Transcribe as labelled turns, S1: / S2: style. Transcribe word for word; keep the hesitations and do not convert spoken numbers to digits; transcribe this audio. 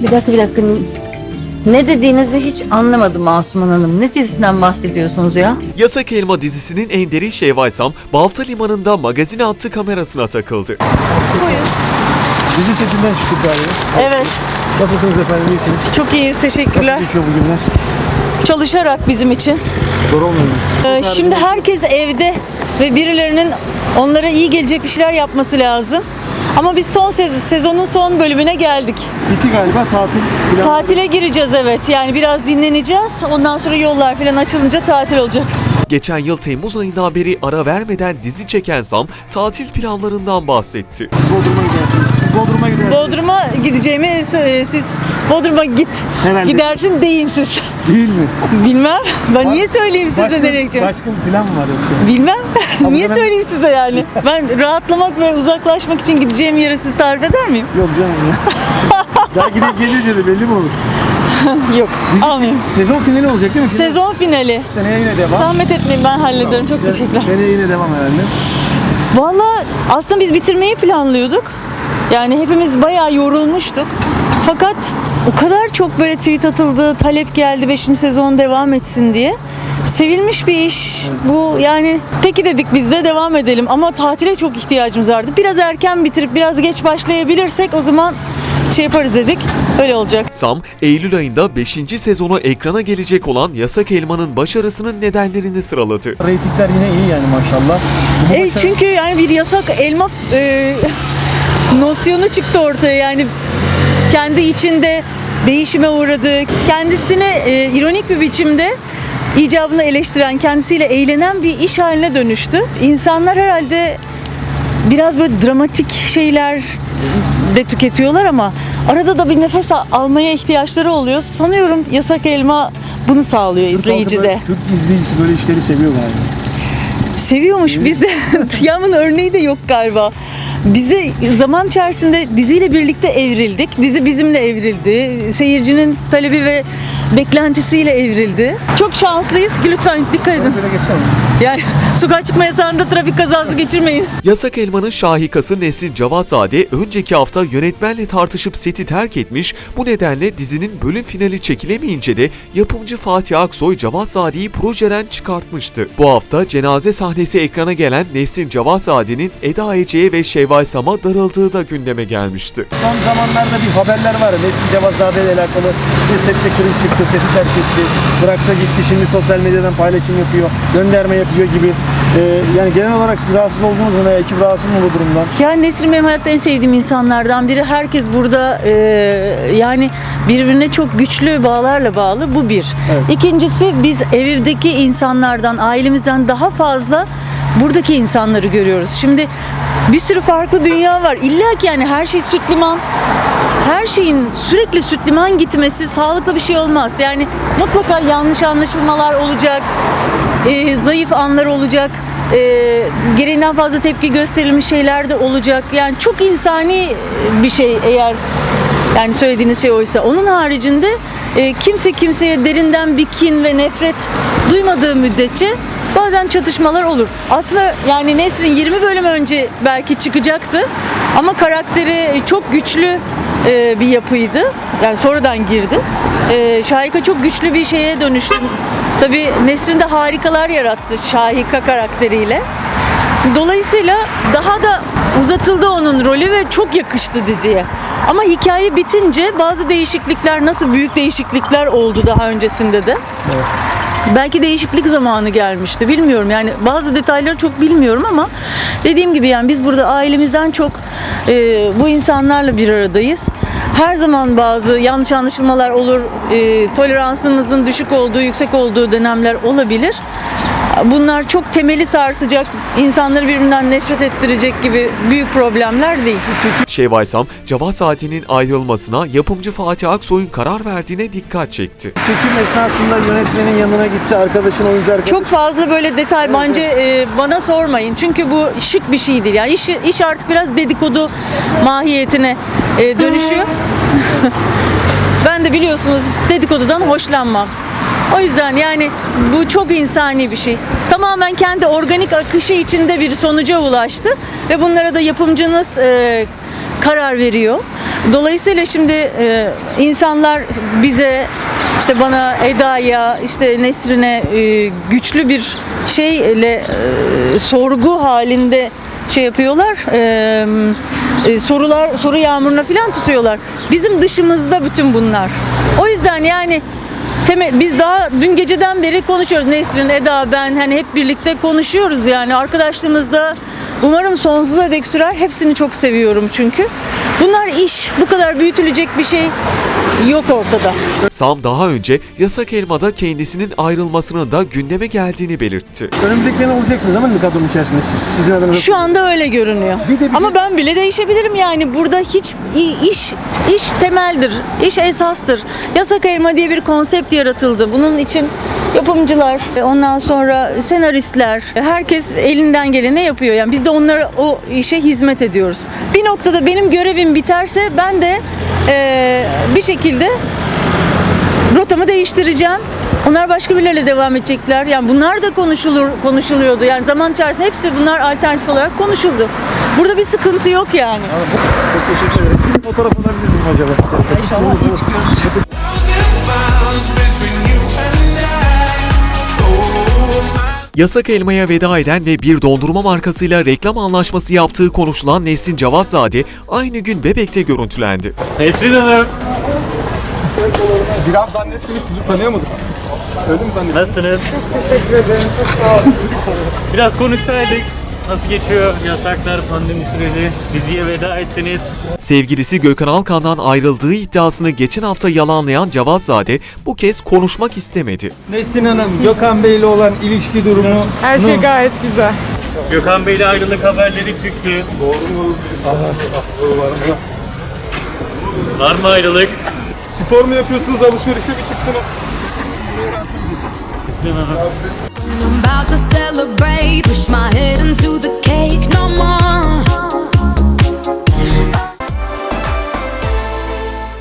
S1: Bir dakika bir dakika. Ne dediğinizi hiç anlamadım Asuman Hanım. Ne dizisinden bahsediyorsunuz ya?
S2: Yasak Elma dizisinin enderi Şevval Sam, Balta Limanı'nda magazin attı kamerasına takıldı.
S3: Dizi setinden çıktık galiba.
S4: Evet,
S3: Nasılsınız efendim, iyisiniz?
S4: çok iyiyiz. Teşekkürler.
S3: Nasıl geçiyor bugünler?
S4: Çalışarak bizim için.
S3: Zor olmuyor mu?
S4: Ee, şimdi herkes evde ve birilerinin onlara iyi gelecek bir şeyler yapması lazım. Ama biz son sez- sezonun son bölümüne geldik.
S3: Bitti galiba tatil. Plan-
S4: Tatile gireceğiz evet. Yani biraz dinleneceğiz. Ondan sonra yollar falan açılınca tatil olacak.
S2: Geçen yıl Temmuz ayından beri ara vermeden dizi çeken Sam, tatil planlarından bahsetti.
S3: Bodrum'a gidersiniz. Siz Bodrum'a gidersiniz.
S4: Bodrum'a gideceğimi sö- siz Bodrum'a git.
S3: Herhalde.
S4: Gidersin deyin siz.
S3: Değil mi?
S4: Bilmem. Ben niye söyleyeyim size
S3: Başka,
S4: nereye gideceğim?
S3: başka bir plan mı var yoksa?
S4: Bilmem. Niye
S3: ben-
S4: söyleyeyim size yani? Ben rahatlamak ve uzaklaşmak için gideceğim yere sizi tarif eder miyim?
S3: Yok canım ya. Daha gidip gelince de belli mi olur?
S4: Yok.
S3: Dizi-
S4: Almayayım.
S3: Sezon finali olacak değil mi? Final-
S4: Sezon finali.
S3: Seneye yine devam.
S4: Zahmet etmeyin ben hallederim. Çok
S3: Se-
S4: teşekkürler.
S3: Seneye yine devam herhalde.
S4: Valla aslında biz bitirmeyi planlıyorduk. Yani hepimiz bayağı yorulmuştuk. Fakat o kadar çok böyle tweet atıldı, talep geldi beşinci sezon devam etsin diye. Sevilmiş bir iş. Bu yani peki dedik biz de devam edelim ama tatile çok ihtiyacımız vardı. Biraz erken bitirip biraz geç başlayabilirsek o zaman şey yaparız dedik. Öyle olacak.
S2: Sam, Eylül ayında beşinci sezonu ekrana gelecek olan Yasak Elma'nın başarısının nedenlerini sıraladı.
S3: Reytingler yine iyi yani maşallah. Bu
S4: E,
S3: başarı-
S4: çünkü yani bir yasak elma e, nosyonu çıktı ortaya yani kendi içinde değişime uğradı. Kendisini e, ironik bir biçimde icabını eleştiren, kendisiyle eğlenen bir iş haline dönüştü. İnsanlar herhalde biraz böyle dramatik şeyler de tüketiyorlar ama arada da bir nefes al- almaya ihtiyaçları oluyor. Sanıyorum Yasak Elma bunu sağlıyor izleyicide.
S3: Türk izleyicisi böyle işleri seviyor galiba.
S4: Seviyormuş bizde. Yağmur'un örneği de yok galiba. Bize zaman içerisinde diziyle birlikte evrildik. Dizi bizimle evrildi. Seyircinin talebi ve beklentisiyle evrildi. Çok şanslıyız ki lütfen dikkat edin.
S3: Böyle geçsene.
S4: Yani sokağa çıkma yasağında trafik kazası geçirmeyin.
S2: Yasak Elma'nın şahikası Nesrin Cavatzade önceki hafta yönetmenle tartışıp seti terk etmiş, bu nedenle dizinin bölüm finali çekilemeyince de yapımcı Fatih Aksoy Cavatzade'yi projeden çıkartmıştı. Bu hafta cenaze sahnesi ekrana gelen Nesrin Cavatzade'nin Eda Ece'ye ve Şevval Sam'a darıldığı da gündeme gelmişti.
S3: Son zamanlarda bir haberler var. Nesrin Cavazade ile alakalı bir sette kırık çıktı, seti terk etti, bıraktı gitti, şimdi sosyal medyadan paylaşım yapıyor, gönderme yapıyor gibi. Ee, yani genel olarak siz rahatsız oldunuz mu veya ekip rahatsız mı bu durumdan?
S4: Yani Nesrin benim hayatta en sevdiğim insanlardan biri. Herkes burada e, yani birbirine çok güçlü bağlarla bağlı. Bu bir.
S3: Evet.
S4: İkincisi biz evdeki insanlardan, ailemizden daha fazla buradaki insanları görüyoruz. Şimdi bir sürü farklı dünya var. İlla ki yani her şey süt liman. Her şeyin sürekli süt liman gitmesi sağlıklı bir şey olmaz. Yani mutlaka yanlış anlaşılmalar olacak. e, zayıf anlar olacak. E, gereğinden fazla tepki gösterilmiş şeyler de olacak. Yani çok insani bir şey eğer yani söylediğiniz şey oysa. Onun haricinde e, kimse kimseye derinden bir kin ve nefret duymadığı müddetçe bazen çatışmalar olur. Aslında yani Nesrin yirmi bölüm önce belki çıkacaktı ama karakteri çok güçlü e, bir yapıydı. Yani sonradan girdi. E, Şahika çok güçlü bir şeye dönüştü. Tabii Nesrin de harikalar yarattı Şahika karakteriyle. Dolayısıyla daha da uzatıldı onun rolü ve çok yakıştı diziye. Ama hikaye bitince bazı değişiklikler, nasıl büyük değişiklikler oldu daha öncesinde de.
S3: Evet.
S4: Belki değişiklik zamanı gelmişti. Bilmiyorum yani bazı detayları çok bilmiyorum ama dediğim gibi yani biz burada ailemizden çok e, bu insanlarla bir aradayız. Her zaman bazı yanlış anlaşılmalar olur. E, toleransımızın düşük olduğu, yüksek olduğu dönemler olabilir. Bunlar çok temeli sarsacak, insanları birbirinden nefret ettirecek gibi büyük problemler değil.
S2: Şevval Sam, Cavatzade'nin ayrılmasına yapımcı Fatih Aksoy'un karar verdiğine dikkat çekti.
S3: Çekim esnasında yönetmenin yanına gitti, arkadaşın, oyuncu arkadaşın.
S4: Çok fazla böyle detay bence e, bana sormayın. Çünkü bu şık bir şey değil. Yani iş, iş artık biraz dedikodu mahiyetine e, dönüşüyor. Ben de biliyorsunuz dedikodudan hoşlanmam. O yüzden yani bu çok insani bir şey. Tamamen kendi organik akışı içinde bir sonuca ulaştı ve bunlara da yapımcınız e, karar veriyor. Dolayısıyla şimdi e, insanlar bize, işte bana, Eda'ya, işte Nesrin'e e, güçlü bir şeyle e, sorgu halinde şey yapıyorlar. E, e, sorular soru yağmuruna falan tutuyorlar. Bizim dışımızda bütün bunlar. O yüzden yani Temel, biz daha dün geceden beri konuşuyoruz. Nesrin, Eda, ben hani hep birlikte konuşuyoruz yani. Arkadaşlığımızda umarım sonsuza dek sürer. Hepsini çok seviyorum çünkü. Bunlar iş. Bu kadar büyütülecek bir şey yok ortada.
S2: Sam daha önce Yasak Elma'da kendisinin ayrılmasının da gündeme geldiğini belirtti.
S3: Önümüzdeki sene olacaksınız ama mı kadronun içerisinde siz, sizin adınıza?
S4: Şu anda öyle görünüyor.
S3: Bir de bir
S4: Ama
S3: de-
S4: ben bile değişebilirim yani. Burada hiç i- iş iş temeldir. İş esastır. Yasak Elma diye bir konsept yaratıldı. Bunun için yapımcılar, ondan sonra senaristler, herkes elinden geleni yapıyor. Yani biz de onlara o işe hizmet ediyoruz. Bir noktada benim görevim biterse ben de eee, bir şekilde rotamı değiştireceğim. Onlar başka birileriyle devam edecekler. Yani bunlar da konuşulur konuşuluyordu. Yani zaman içerisinde hepsi bunlar alternatif olarak konuşuldu. Burada bir sıkıntı yok yani.
S3: Çok teşekkür ederim. Bir fotoğraf alabilir miyim acaba?
S4: İnşallah iyi çıkıyoruz.
S2: Yasak Elma'ya veda eden ve bir dondurma markasıyla reklam anlaşması yaptığı konuşulan Nesrin Cavatzade aynı gün Bebek'te görüntülendi.
S5: Nesrin Hanım,
S6: Biraz zannettiniz, sizi tanıyamadım. Öyle mi zannettiniz?
S5: nasılsınız? Çok teşekkür ederim, çok sağ olun. Biraz konuşsaydık. Nasıl geçiyor yasaklar, pandemi süreci? Diziye veda ettiniz.
S2: Sevgilisi Gökhan Alkan'dan ayrıldığı iddiasını geçen hafta yalanlayan Cavatzade bu kez konuşmak istemedi.
S3: Nesrin Hanım, Gökhan Bey'le olan ilişki durumu...
S7: Her şey gayet güzel.
S5: Gökhan Bey'le ayrılık haberleri çıktı. Var mı ayrılık?
S6: Spor mu yapıyorsunuz, alışverişe mi çıktınız?
S5: Nesrin Hanım.
S8: I'm about to celebrate.